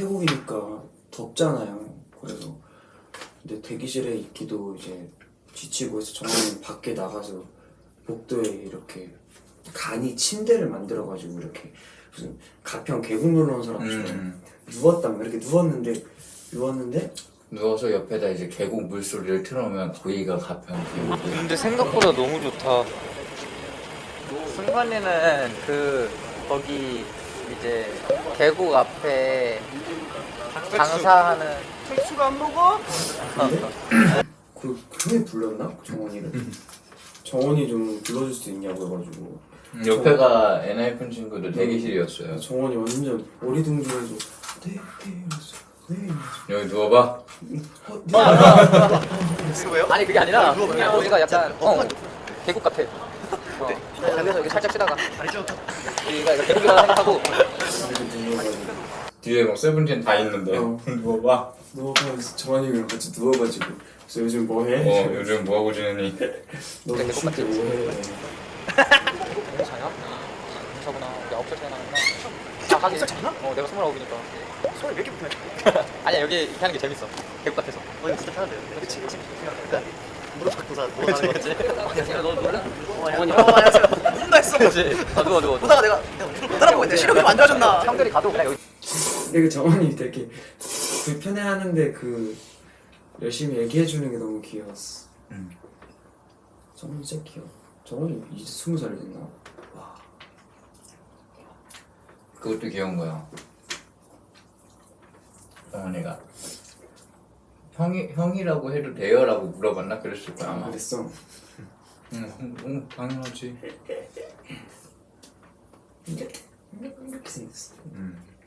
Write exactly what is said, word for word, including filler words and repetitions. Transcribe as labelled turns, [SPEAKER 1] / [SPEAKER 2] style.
[SPEAKER 1] 태국이니까 덥잖아요. 그래서 근데 대기실에 있기도 이제 지치고 해서 정원이 밖에 나가서 복도에 이렇게 간이 침대를 만들어가지고 이렇게 무슨 가평 계곡 놀러 온 사람처럼
[SPEAKER 2] 음.
[SPEAKER 1] 누웠단 말이야. 이렇게 누웠는데 누웠는데
[SPEAKER 2] 누워서 옆에다 이제 계곡 물소리를 틀어놓으면 거기가 가평 계곡이.
[SPEAKER 3] 근데 생각보다 너무 좋다. 승관이는 그 거기 이제 계곡 앞에 장사하는
[SPEAKER 4] 백수가 안 먹어?
[SPEAKER 1] 그 그게 불렀나? 정원이를 정원이 좀 불러줄 수 있냐고 해가지고
[SPEAKER 2] 음, 옆에가 엔하이픈 친구들 대기실이었어요.
[SPEAKER 1] 정원이 완전 어리둥절해서 네, 네, 네.
[SPEAKER 2] 여기 누워봐.
[SPEAKER 4] 왜요?
[SPEAKER 3] 아니 그게 아니라
[SPEAKER 4] 누워 봐요.
[SPEAKER 3] 여기가 약간 어, 계곡 같아. 어. 그래서 여기 살짝 쉬다가
[SPEAKER 4] 알죠?
[SPEAKER 3] 여기가 이거 계곡이라고 생각하고
[SPEAKER 1] 이렇게 누워가지고
[SPEAKER 2] 뒤에 막 세븐틴 다 있는데
[SPEAKER 1] 어.
[SPEAKER 2] 누워봐.
[SPEAKER 1] 누워가지고 정원이랑 같이 누워가지고 그래서 요즘 뭐해?
[SPEAKER 2] 어 요즘 뭐하고 지내니?
[SPEAKER 1] 너
[SPEAKER 3] 계곡
[SPEAKER 1] 쉴 때
[SPEAKER 3] 같지?
[SPEAKER 1] 뭐해?
[SPEAKER 3] 자냐? 자구나. 우리 아홉 살 차이 나는구나. 아 하긴.
[SPEAKER 4] 살 차이나?
[SPEAKER 3] 어 내가 스물아홉이니까.
[SPEAKER 4] 소리 왜 이렇게 붙냐?
[SPEAKER 3] 아니야 여기 이렇게 하는 게 재밌어. 계곡 같아서.
[SPEAKER 4] 어 이거 진짜 편한데요? 그치 그치 무릎 잡고 자 누워 자는 거지?
[SPEAKER 3] 안녕하세요. 너 놀라?
[SPEAKER 4] 어머니 어 안녕하세요 누군가 했어
[SPEAKER 3] 그렇지. 아 누워 누워.
[SPEAKER 4] 보다가 내가 내가 무릎 못 알아보고 있는데 시력이 안 좋아졌나?
[SPEAKER 3] 형들이 가도 그냥 여기.
[SPEAKER 1] 근데 그 정원이 되게 불편해하는데 그 열심히 얘기해주는 게 너무 귀여웠어.
[SPEAKER 2] 음.
[SPEAKER 1] 정원이 진짜 귀여워. 정원이 이제 스무 살이 됐나? 와.
[SPEAKER 2] 그것도 귀여운 거야. 어머니가 형이 형이라고 해도 돼요라고 물어봤나 그랬을 거야 아마.
[SPEAKER 1] 그랬어.
[SPEAKER 2] 응, 응, 당연하지.
[SPEAKER 1] 이렇게 이렇게 생겼어.
[SPEAKER 2] 음.